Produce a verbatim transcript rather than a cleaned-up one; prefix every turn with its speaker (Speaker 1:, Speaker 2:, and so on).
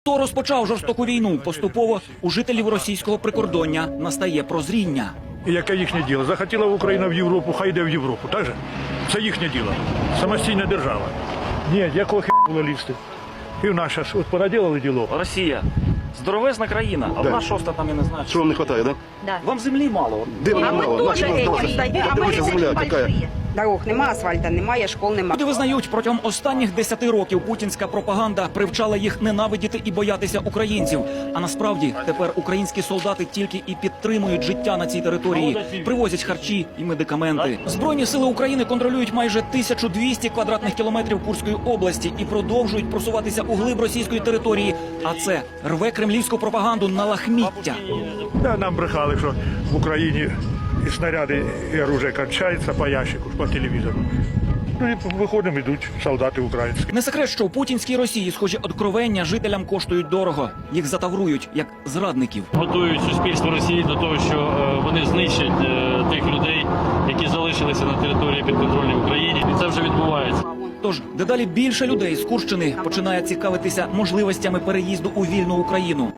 Speaker 1: Хто розпочав жорстоку війну, поступово у жителів російського прикордоння настає прозріння.
Speaker 2: І яке їхнє діло? Захотіла Україна в Європу, хай йде в Європу, так же? Це їхнє діло. Самостійна держава. Ні, якого хі було лізти? І в нас зараз от понаділили діло.
Speaker 1: Росія здоровезна країна, а
Speaker 3: Да.
Speaker 1: вона шоста там, я не знаю.
Speaker 3: Что вам не хватает, да?
Speaker 4: Да.
Speaker 1: Вам землі мало.
Speaker 3: Де вона
Speaker 4: А ми
Speaker 3: мало?
Speaker 4: теж
Speaker 3: Наша
Speaker 4: этим
Speaker 3: наша.
Speaker 4: стоїмо, а
Speaker 3: Дивися,
Speaker 4: ми
Speaker 3: земля
Speaker 4: большие.
Speaker 3: какая.
Speaker 4: Дорог нема, асфальта немає, школ немає.
Speaker 1: Люди визнають, протягом останніх десяти років путінська пропаганда привчала їх ненавидіти і боятися українців. А насправді тепер українські солдати тільки і підтримують життя на цій території, привозять харчі і медикаменти. Збройні сили України контролюють майже тисячу двісті квадратних кілометрів Курської області і продовжують просуватися у глиб російської території. А це рве кремлівську пропаганду на лахміття.
Speaker 2: Да, нам брехали, що в Україні і снаряди, і оружие кончаються по ящику, по телевізору. Ну і виходимо, йдуть солдати українські.
Speaker 1: Не секрет, що у путінській Росії схожі откровення жителям коштують дорого. Їх затаврують як зрадників.
Speaker 5: Готують суспільство Росії до того, що е, вони знищать е, тих людей, які залишилися на території підконтрольній Україні. І це вже відбувається.
Speaker 1: Тож дедалі більше людей з Курщини починає цікавитися можливостями переїзду у вільну Україну.